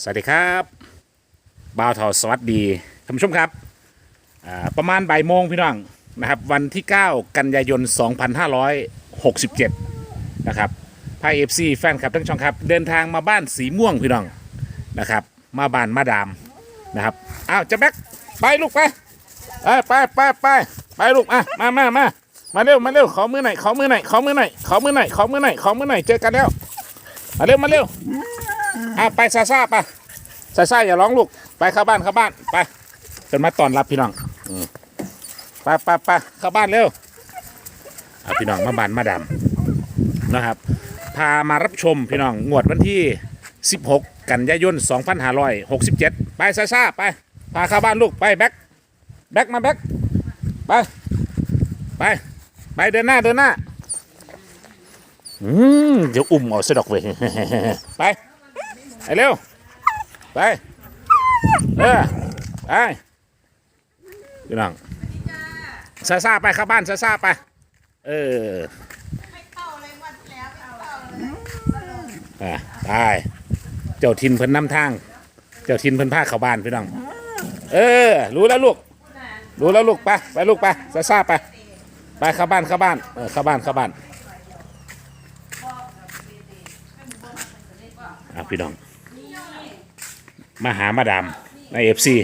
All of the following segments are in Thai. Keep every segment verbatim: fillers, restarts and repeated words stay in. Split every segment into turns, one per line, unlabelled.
สวัสดีครับบ่าวเทาสวัสดีท่านผู้ชมครับประมาณบ่ายโมงพี่น้องนะครับวันที่เก้ากันยายนสองพันห้าร้อยหกสิบเจ็ดนะครับพายเอฟซีแฟนคลับทั้งช่องครับเดินทางมาบ้านสีม่วงพี่น้องนะครับมาบ้านมาดามนะครับอ้าวจะแบ็คไปลูกไปไปไปไปไปลูกอ่ะมามามามาเร็วมาเร็วขอมือหน่อยขอมือหน่อยขอมือหน่อยขอมือหน่อยขอมือหน่อยขอมือหน่อยเจอกันแล้วมาเร็วมาเร็วอ่ะไปซาซาไปซาซาอย่าร้องลูกไปเข้าบ้านเข้าบ้านไปจนมาต้อนรับพี่น้องไปไปไปเข้าบ้านเร็วเอาพี่น้องมาบ้านมาดามนะครับพามารับชมพี่น้องงวดวันที่สิบหกกันยายนสองพันห้าร้อยหกสิบเจ็ดไปซาซาไปพาเข้าบ้านลูกไปแบ็คแบ็คมาแบ็คไปไปไปเดินหน้าเดินหน้าอืมเดี๋ยวอุ้มเอาสะดอกเว้ยไปไปเร็วไปเออไปพี่น้องซาซาไปเข้าบ้านซาซาไปเอออ่ะไปเจ้าทินเพิ่นนำทางเจ้าทินเพิ่นพาเข้าบ้านพี่น้องเออรู้แล้วลูกรู้แล้วลูกไปไปลูกไปซาซาไปไปเข้าบ้านเข้าบ้านเออเข้าบ้านเข้าบ้านอ่ะพี่น้องมาหามาดามในเอฟซี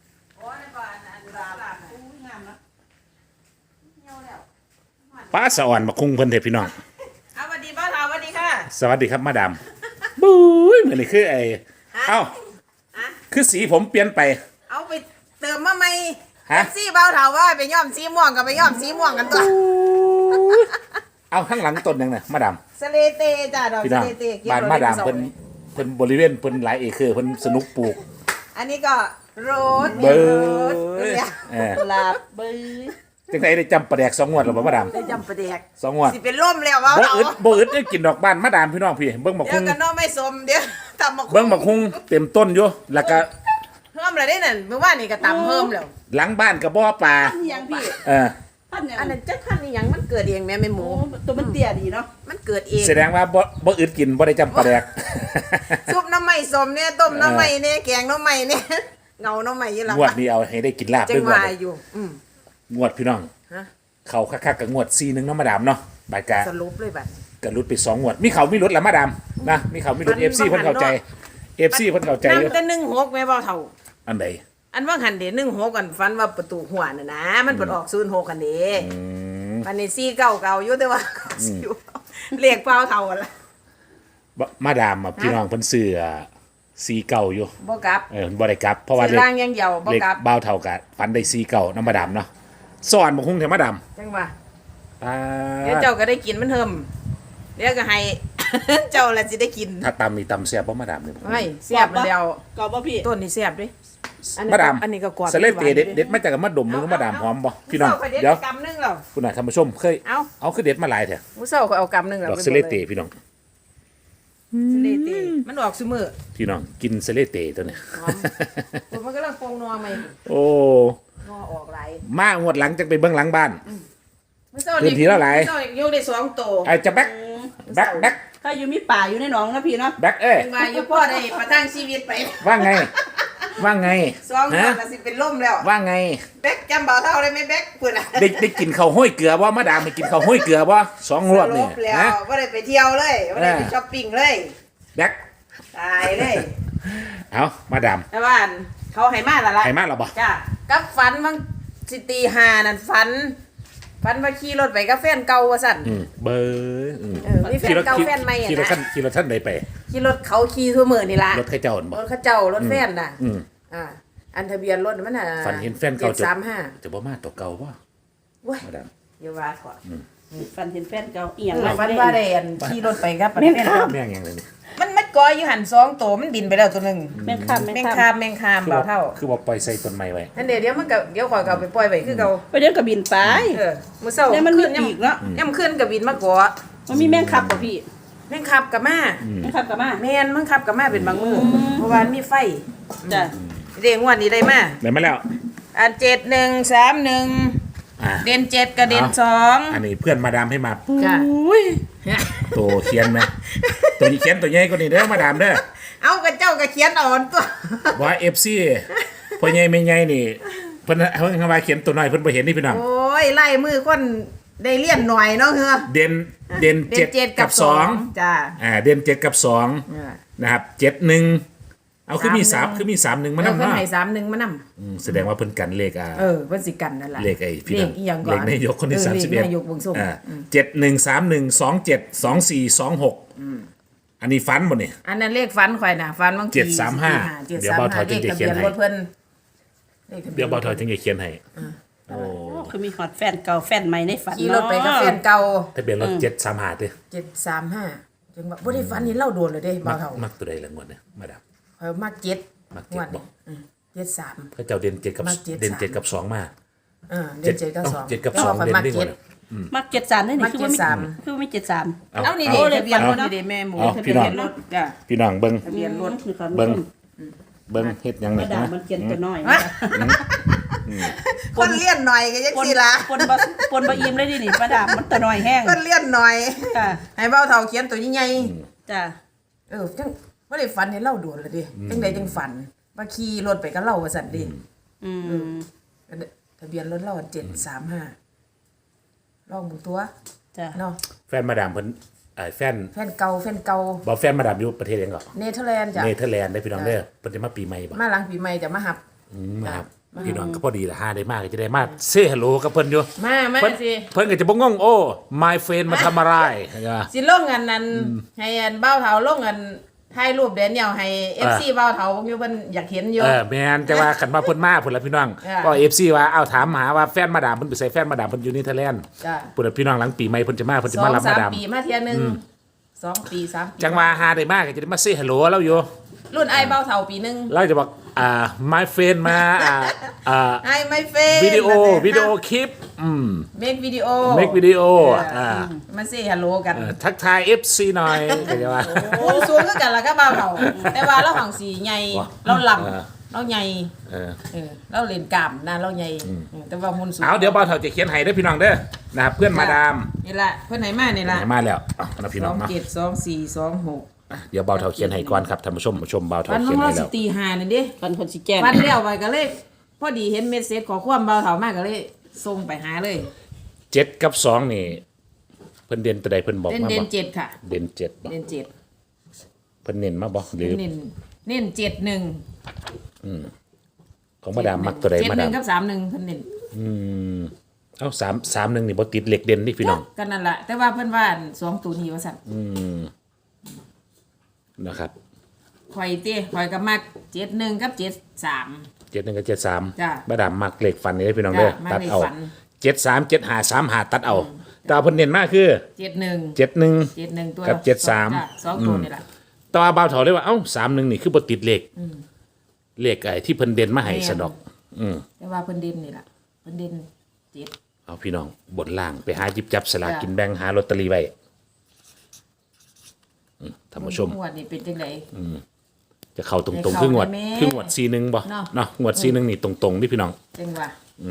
ป้าสะอ่อนมาคุ้งเพิ่นเถอะพี่น้อง
สวัสดีป้าสาวสวัสดีค่ะ
สวัสดีครับมาดามบุ้ยเหมือนนี่คือไอ้เอ้าคือสีผมเปลี่ยนไป
เอาไปเติมมาใหม่
ฮะ
สีเบาเถาว่าไปย้อมสีม่วงกับไปย้อมสีม่วงกันตัว
เอาข้างหลังต้นยังไงมาดาม
สเลเตจ้าดอกสเลเต
บ้านมาดามเพิ่นเพิ่นบริเวณเพิ่นหลายเอเคอร์เพิ่นสนุกปลูก
อันนี้ก็โรส
เบอร์
กุหลาบเบอร์
จังไดได้จำประแดกสองงวดหรือเปล่ามาดาม
ได้จำประแดก
สองงวด
สิเป็นล่มแล้วว่า
บ่อึดบ่อึดได้กินดอกบ้านมาดามพี่น้องพี่เบิ่งบักคุ้ง
เดี๋ยวกันน้องไม่สมเดี๋ยวตำบัก
เบิ่งบักคุ้งเต็มต้นอยู่แล้วก็
เพิ่มอะไรได้นั่นเมื่อวานนี่ก็ตำเพิ่มแล้ว
หลังบ้านก็บ่อปลา
ยังพี่
เออ
อันนั้นจะพันนี่ยังมันเกิดเองแม่แม่หมู
ตัวมันเตี้ยดีเนาะ
มันเกิดเอง
แสดงว่าบ่บ่อึดกินบ่ได้จำปลาแดก
ซุปน้ำใหม่สมเนี่ยต้มน้ำใหม่เนี่ยแกงน้ำใหม่เนี่ยเงาน้ำใหม่ยี่หลัง
งวดนี้เอาให้ได้กินลาบด้วยงวด
อยู่
งวดพี่น้องเขาคักๆกับงวดซีนึงเนาะมาดามเนาะบาดกะ
สรุปเลยบัด
กะรุดไปสองงวดมีเขามีรถละมาดามนะมีเขามีรถ เอฟ ซี เพิ่นเข้าใจ เอฟ ซี เพิ่นเข้าใจอยู่
นำแต่หนึ่งหกแม่บ่เท่า
อันใด
อันว่าหันเด้หนึ่งหกกันฟันว่าประตูหัวน่ะนะมันเปิดออกศูนย์หกกันเด้วันนี้สี่เก้าเก่าอยู่แต่ว่าเรียกเปล่าเท่ากันละ
มาดามพี่น้องเพิ่นซื้อซีเก่าอยู่
บ่กลับ
เออบ่ได้กลับเพราะว่า
เลขล่างยังเดียวบ่กลับ
เบาเท่ากันฟันได้ซีเก่านำมาดามเนาะสอนบ่คงแท้มาดาม
จังว่าเดี๋ยวเจ้าก็ได้กินมันเทิมเดี๋ยวก็ให้เจ้าละสิได้กิน
ถ้าตำนี่ตำแซ่บบ่มาดามนี่
ไม่แซ่บมันแล้ว
กรอบบ่พี่
ต้นนี่แซ่บดิ
มาดาม
อันนี้ก็กรอบ
สเลเตเด็ดเด็ดมาจากมาดมมือมาดามหอมบ่พี่น้อง
เดี๋ยวกำนึงแล้ว
คุณน่ะท่านผู้ชมเคย
เอา
เอาคือเด็ดมาหลายแท้
มื้อเช้าก็เอากำนึงแล้ว
ดอกสเลเตพี่น้อง
สเลเตมันออกซุมื้อ
พี่น้องกินสเลเตตัวนี้
มันกำลังฟงนัวใหม่
โอ้
งอออกหลาย
มางวดหลังจังไปเบิ่งหลังบ้านพื้นที่ละหลาย
โยกได้สองโต
ไอ้จะแบ็คแบ็คแบ็ค
ถ้าอยู่มีป่าอยู่ในหนองนะพี่เนาะ
แบ็คเอ้ย
มาอยู่พ่อได้ประทังชีวิตไป
ว่าไงว่าไง
สองคนละสิเป็นล่มแล้ว
ว่าไง
แบ็คจำเบาเท่าได้ไหมแบ็คเพื่อน
ได้ได้กินข้าวห้อยเกลือบ่มาดามไปกินข้าวห้อยเกลือบ่สองรอบนี่
นะว่าได้ไปเที่ยวเลยว่าได้ไปช้อปปิ้งเลย
แบ็ค
ตายเลย
เอามาดาม
แต่ว่าเขาให้มาละละ
ให้มาหรอบ่
จ้ากับฝันบางสิตีหานั่นฝันฝันว่าขี่รถไปกับแฟนเก่าว่าสั่น
เบอร์
เออมีแฟนเก่าแฟนใหม่อ่ะนะ
ขี่รถท่านขี่รถท่านใดไป
ขี่รถเขาขี่ทั่วเมืองนี่ล่ะ
รถข้าเจ้าบ่
รถข้าเจ้ารถแฟนน่ะอ่าอันทะเบียนรถมันน่ะ
ฝันเห็นแฟนเก่า
สามห้า
จะบ่มาตัวเก่าบ่
ว้ยอย่าว่าถอด
ฝันเห็นแฟนเก่าอีหยัง
ฝันว่าได้อันขี่รถไปกับแฟนเก่า
แม่งยังเลยนี่
มันมัดกอยอยู่หันสองโตมันบินไปแล้วตัวนึง
แม่งคาม
แม่งคามแม่งคามเบาเท่า
คือบ่ปล่อยใส่ต้นไม้ไว้
นั่นเดี๋ยวเดี๋ยวมันก็เดี๋ยวข่อยก็เอาไปปล่อยไว้คือเก่า
ไปเดี๋ยวก็บินไป
เออมื้อเช้า
เนี่ยมันมีอีกเนาะ
ย่ำขึ้นก็บินมาเกาะ
มันมีแม่งขับบ่พี่
แม่งขับกับมา
แม่งขับกับมา
แม่นมันขับกับมาเป็นบางมื้อเพราะว่ามีไฟ
จ้ะ
เด้งวดนี้ได้มา
ได้มาแล้ว
อันเจ็ดหนึ่งสามหนึ่งเด่นเจ็ดกับเด่นสอง
อันนี้เพื่อนมาดามให้มา
จ้ะ
ตัวเขียนไหมตัวเขียนตัวใหญ่กว่านี้เด้อมาดามเด้อ
เอากระเจ้าก็เขียนเอ่อนตัว
ว่า เอฟ ซี พ่อใหญ่แม่ใหญ่นี่เพิ่นเพิ่นคำว่าเขียนตัวน้อยเพิ่นบ่เห็นนี่พี่น้อง
โอ้ยไล่มือคนได้เลี่ยนหน่อยเนาะเฮือ
เด่นเด่น
เด่น
เจ็ด
เจ็ด
กับสอง
จ้า
อ่าเด่นเจ็ดกับสอง
เออ
นะครับเจ็ดหนึ่งเอาคือมีสาม
สามหนึ่ง
คือมีสามหนึ่งมา
แล้ว
นำ
เพิ่น
เนาะ
ให้สามหนึ่งมานำ
อืมแสดงว่าเพิ่นกันเลขอ่า
เออเพิ่นสิกันนั่นล่ะ
เลขไอ้พี่
เล
น้อ
ข
ง
อีหยังก่อน
เลขนายกคนที่
เออ
สามสิบเอ็ด
เลขนายกเบิ่งส่ง
อ่าเจ็ดหนึ่งสามหนึ่งสองเจ็ดสองสี่สองหกอันนี้ฟันบ่นี่
อันนั้นเลขฟันข่อยน่ะฟันบางที
เจ็ดสามห้า
เจ็ด
เดี๋ยว
สาม
เบาถ
ห้า
อย
เลข
จะ
ทะ
เขี
เบี
ย
ย
น
น
ให้
รถเพิ่นลขทะบีน
เดี๋ยวเบาถอยจึงจะเขียนให้โอ้
โอ้คือมีฮอดแฟนเก่าแฟนใหม่ในฝัน
ขี่ร
เนาะ
ถไปกับแฟนเก่า
ทะเบียนรถเจ็ดสามห้าเด้อ
เจ็ดสามห้าจังว่าบ่ได้ฝันเห็นเล่าโดนเลยเด้
มั
บ่าก วเฒ่า
มักตัวใดละงวดเนี่ยมาดาม
ข่อยมักเจ็ด
มักเจ็ด
งวด
บ่
อืมเจ็ดสาม
พระเจ้าเด่นเจ็ดกับ
มักเจ็ด
เด่น
สาม
เจ็ดกับสองมา
เออเด่นเจ็ดกับสอง
เจ็ดกับ
แต่
สอง
ว่าข่อย
เด่น
มัก
ได้หม
เจ็
ด
ด
มักเจ็ดสามได้
มั
นี่
ก
คือว่ามี
เจ็ดสาม
คือว่ามีเจ็ดสาม
เอา
เอานี่
โอ้
เด้
เล
ทะ
ข
เบียนรถ
เอา
นี่เด้แม่หมู
เอา
ทะ
พี่
เบีย
น้อง
นรถจ้ะ
พี่น้องเบิ่ง
ทะเบียนรถ
คือเขา
เบิ่งเบิ่งเฮ็ดหยัง
ก
นี่
ระดาษ
นะ
มันเขียนตัวน้อย
ฮะ คนเลี่ยนหน่อยก็จังซี่ล่ะ
ปนบะปนบะอิ่มเลยดินี่ประดาบมันตัวน้อยแห้ง
คนเลี่ยนหน่อย
ค่ะ
ให้เบ้าเฒ่าเขียนตัวใหญ่
จ้ะ
ๆเออจังบ่ได้ฝันเห็นเล่าโดนเลยเดิจังใดจังฝันว่าขี่รถไปกับเล่าว่าซั่นดิ
อืม
ทะเบียนรถเราเจ็ดสามห้าลองมึงตัว
จ้ะ
เนาะ
แฟนมาดามเพิ่นเอ่อแฟน
แฟนเก่าแฟนเก่า
บ่แฟนมาดามอยู่ประเทศหยังก่อน
เนเธอร์แลนด์จ้ะ
เนเธอร์แลนด์ได้พี่น้องเด้อเพิ่นจะมาปีใหม่บ่
มาหลังปีใหม่จะมาหับ
อืมครับพี่น้องก็พอดีละห้าได้มากก็จะได้มาเซ่ฮัลโหลกับเพิ่นอยู่
มามา
เพิ่น
สิ
เพิ่นก็จะบ่งงโอ้ my friend มาทำอะไรเข้าใจปะ
สิลงอันนั้นให้อันเบ้าเถาลงอันถ่ายรูปเดนเนียลให้ เอฟ ซี เบ้าเถาพวกนี้เพิ่นอยากเห็นอยู่
เออแม่นแต่ว่าคันว่าเพิ่นมาพุ่นละพี่น้อง
อ่า
ก็ เอฟ ซี ว่าเอาถามหาว่าแฟนมาดามเพิ่นไปใส่แฟนมาดามเพิ่นอยู่เนเธอร์แลนด์
จ้ะ
พุ่นละพี่น้องหลังปีใหม่เพิ่นจะมาเพิ่นจะ
สอ
มาง รับ
สาม
มาดาม
ปีมาเที่ยหนึงสองปีสามปี
จังว่าหาได้มากก็จะได้มาเซ่ฮัลโหลแล้วอยู่
รุ่นไอ้ายเบ้าเถาปีหนึง
เราจะบอกอ่า my friend มาอ่าอ่า
ไอ้ไม่เฟน
วิดีโอวิดีโอคลิปอืม
เมควิดีโอ
make วิดีโออ่า
มาเซ่ฮัลโหลกัน
เอ่อทักทาย เอฟ ซี หน่อยเข้าใจปะ
โอ้สูงคือกันล่ะก็เบ้าเถาแต่ว่าเราหังสีใหญ่
ว่ะ
เราล
เออ
ำเราใหญ่
เออ
เออเราเล่นกล้ามนะเราใหญ่เออแต่ว่าหุ่นสูง
เอาเดี๋ยวบ่าวเฒ่าจะเขียนให้เด้อพี่น้องเด้อนะครับเพื่อนมาดาม
นี่ละเพื่อนไหนมานี่ละ
ไหนมาแล้วเอานะพี่
ส
น้
อ
อง
ง
เนาะ
เจ็ดสองสี่สองหก
เดี๋ยวบ่าวเฒ่าเขียนให้ก่อนครับท่านผู้ชมผู้ชมบ่าวเฒ่า
วัน
เขียน
เรา
ให้
สิ
แล้ว
ตีหานี่ดิ
ฟันคนสิแจ้ง
วันเลี้ยวไปก็เลยพอดีเห็นเมสเซจขอความเบาเถามากก็เลยส่งไปหาเลย
เจ็ดกับสองนี่เพิ่นเด่นตัวใดเพิ่นบอก
เด่น
มา
เด่
บ่
นเจ็ดค่ะ
เด่นเจ็ดบ่
เด่นเจ็ด
เพิ่นเน้นมาบ่หรือ
เน้นเน้นเจ็ดหนึ่ง
ของมาดามมักตัวใด
เจ็ด
มา
ห
ดา
นึ่
ม
งกับสามหนึ่งเพิ่นเน้น
อืมเอ้าสาม สามหนึ่งนี่บ่ติดเหล็กเด่นนี่พี่น้อง
กันนั่นแหละแต่ว่าเพิ่นว่าอันสองตัวนี้ว่าสั่น
อืมนะครับ
ข่อยเต้ข่อยก็มักเจ็ดหนึ่งกับเจ็ดสาม
เจ็ดหนึ่งกับเจ็ดสาม
จ้ะ
มาดามมักเหล็กฟันนี่เด้อพี่น้องเด้อ
จ้ะมัก
ตัด
เลข
เอา
ฟัน
เจ็ดสามเจ็ดห้าสามห้าตัดเอาแต่ว่าเพิ่นเน้นมากคือ
เจ็ดหนึ่ง
เจ็ดหนึ่ง
เจ็ดหนึ่งตัว
กับเจ็ดสาม
จ้ะสองตัวนี่แหละ
แต่ว่าบ่าวเฒ่าเลยว่าเอ้าสามหนึ่งนี่คือบ่ติดเหล็กเหล็กไอ้ที่เพิ่นเด่นมาให้
แม่น
สะดอก อืม
แต่ว่าเพิ่นเด่นนี่แหละเพิ่นเด่นเจ็ด
เอาพี่น้องบนล่างไปหาหยิบจับสลาก
จ้ะ
กินแบ่งหาลอตเตอรี่ไว้อืมท่านผู้ชม
งวดนี้เป็นจังได
จะเข้าตรง
ให้
ๆ
เข้า
คืองวด
ได้แม่
คืองวดซีหนึ่งบ่
เนาะ
เนาะงวดซีหนึ่งนี่ตรงๆนี่พี่น้อง
จังว่า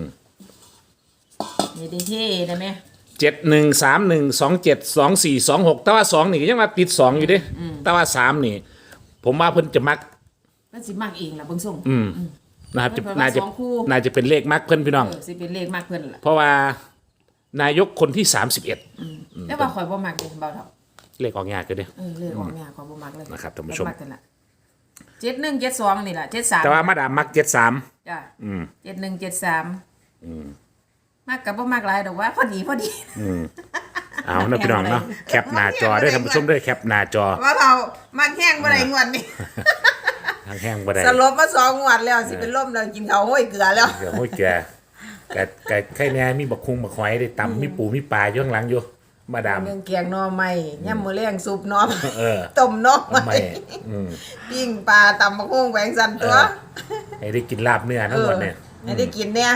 นี่ได้เท่ได้ไหม
เจ็ดหนึ่งสามหนึ่งสองเจ็ดสองสี่สองหกแต่ว่าสองนี่ก็ยังมาติดสองอยู่เดิแต่ว่าสามนี่ ผมว่าเพิ่นจะมัก
มันสิมักเองล่ะเบิ่งส่ง
อืมนะครับจะ
เพิ่นว่า
น่าจะ
สองคู่
น่าจะเป็นเลขมักเพิ่นพี่น้อง
เออสิเป็นเลขมากเพิ่นล่ะ
เพราะว่านายกคนที่สามสิบเอ็ด
แต่ว่าข่อยบ่มักเด้เบาเท่า
เลขออกยากเลยเด้
เออเลขออกเนี่ยข่อยบ่มักเลย
นะครับท่านผู้ชม
มักกันล่ะเจ็ดหนึ่งเจ็ดสองนี่ล่ะเจ็ดสาม
แต่ว่ามาดามมักเจ็ดสาม
จ้ะ
อืม
เจ็ดหนึ่งเจ็ดสามมากกับบ่มากหลายดอกว่าพอดีพอดี
เอานะพี่น้องเนาะแคปหน้าจอได้อท่านผู้ชมได้อแคปหน้าจอ
ว่าเท่ามักแห้งบ่ได้งวดนี้
ทางแห้งบ่ได้
สลบมาสองงวดแล้วสิเป็นลมแล้วกินข้าวห้อยเกลือแล้ว
เดี๋ยวโอ้ยแกแกแกไข่แน่มีบักคุงบักหอยได้ตำมีปูมีปลาอยู่ข้างหลังอยู่มาดาม
เรื่องแกงหน่อไม้ย่ำมื้อแรงซุปหน่อไม้
เออ
ต้มหน่อ
ทำไม
ไม้
อืม
ปิ้งปลาตำมะฮุ่งแหวงสันตัว
เออ ให้ได้กินลาบเนื้อทั้งหมดเนี่ย
ให้ได้กินเนี่ย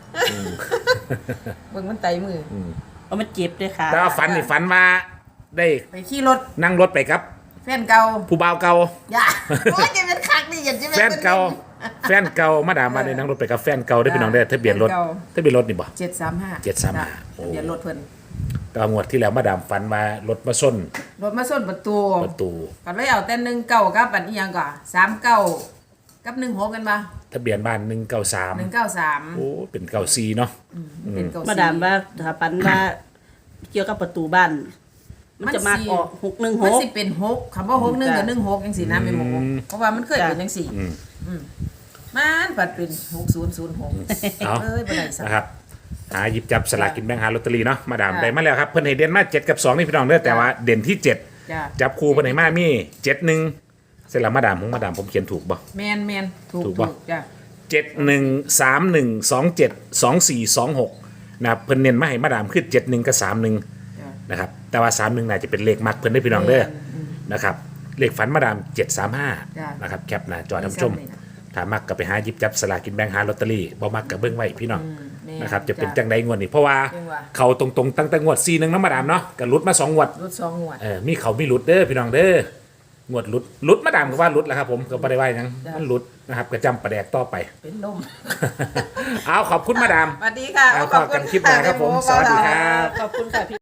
เบิ่งมันไตมืออ
เอามันเจ็บด้วยค่ะ
แต่ว่าฝันนี่ฝันว่าได้
ไปขี่รถ
นั่งรถไปครับ
แฟนเก่า
ผู้บ่าวเก่า
อย่าโอ้ยจะเป็นคักนี่อย่าจะ
แฟนเก่าแฟนเก่ามาดามมาได้นั่งรถไปกับแฟนเก่าได้อพี่น้องได้อทะเบียนรถ
แฟนเก่า
ทะเบียนรถนี่บ่
เจ็ดสามห้า
เจ็ดสามห้าโอ้
เดี๋ยวรถเพิ่น
แต่ว่างวดที่แล้วมาดามฝันว่ารถมาส้น
รถมาส้นประตู
ประตู
ก็เลยเอาแต่หนึ่งเก้ากับอันอีหยังก่อนสามเก้ากับหนึ่งหกกันมา
ทะเบียนบ้านหนึ่งเก้าสาม
หนึ่งเก้าสาม
โอ้เป็นเก้าสี่เนาะ
เป็นเก้า
มา
สี่
ดามว่าถ้าปันว่าเกี่ยวกับประตูบ้าน มันจะมาออกหกหนึ่งห
มัน
ก
สิเป็นหกคำว่าหกหนึ่งกับหนึ่งหกยังสี่นะเป็นหกเพราะว่ามันเคยเป็นยังสี่
อืม
มันปัดเป็นหกศูนย์ศูนย์หก
เอา
เอ้ยบ่ได้สัก
นะครับหาหยิบจับสลากกินแบ่งหาลอตเตอรี่เนาะมาดาม
จ้ะ
ได้มาแล้วครับเพิ่นให้เด่นมาเจ็ดกับสองนี่พี่น้องเด้อแต่ว่าเด่นที่เจ็ด
จ้ะ
จับคู่เพิ่นให้มามีเจ็ดหนึ่งเสร็จแล้วมาดามของมาดามผมเขียนถูกบ่
แมนแมนถูก
ถูก
ถู
ปะ
กจ้ะ
เจ็ดหนึ่งสามหนึ่งสองเจ็ดสองสี่สองหกนะครับเพิ่นเน้นมาให้มาดามคือเจ็ดหนึ่งกับสามหนึ่ง
จ้ะ
นะครับแต่ว่าสามหนึ่งน่าจะเป็นเลขมักเพิ่นได้อพี่น้องเด้อ
อืม
นะครับเลขฝันมาดามเจ็ดสามห้า
จ้ะ
นะครับแคปหน้าจอท่านผู้ชม
ซ้ำเลยนะ
ถ้ามักก็ไปหาหยิบจับสลากกินแบ่งหาลอตเตอรี่บ่มักก็เบิ่งไว้พี่น้อง
แม่
นะครับจะเป็น
จ้ะ
จังใดงวดนี้เพราะว่า
จังหวะ
เขาตรงๆตั้งแต่งวดสี่หนึ่งน้ำมาดามเนาะก็หลุดมาสองงวด
รถสองงวด
เออมีเขามีหลุดเด้อพี่น้องเด้องวดหลุดหลุดมาดามก็ว่าหลุดแหล้วครับผมก็บ่ได้ว่าหยัง
จ้ะ
มันหลุดนะครับก็จำประแดกต่อไป
เป็นลม
เอาขอบคุณมาดาม
สวัสดีค่ะ
เอาพบกันคลิปหน้าครับผมสวัสดีครับ
ขอบคุณค่ะพี่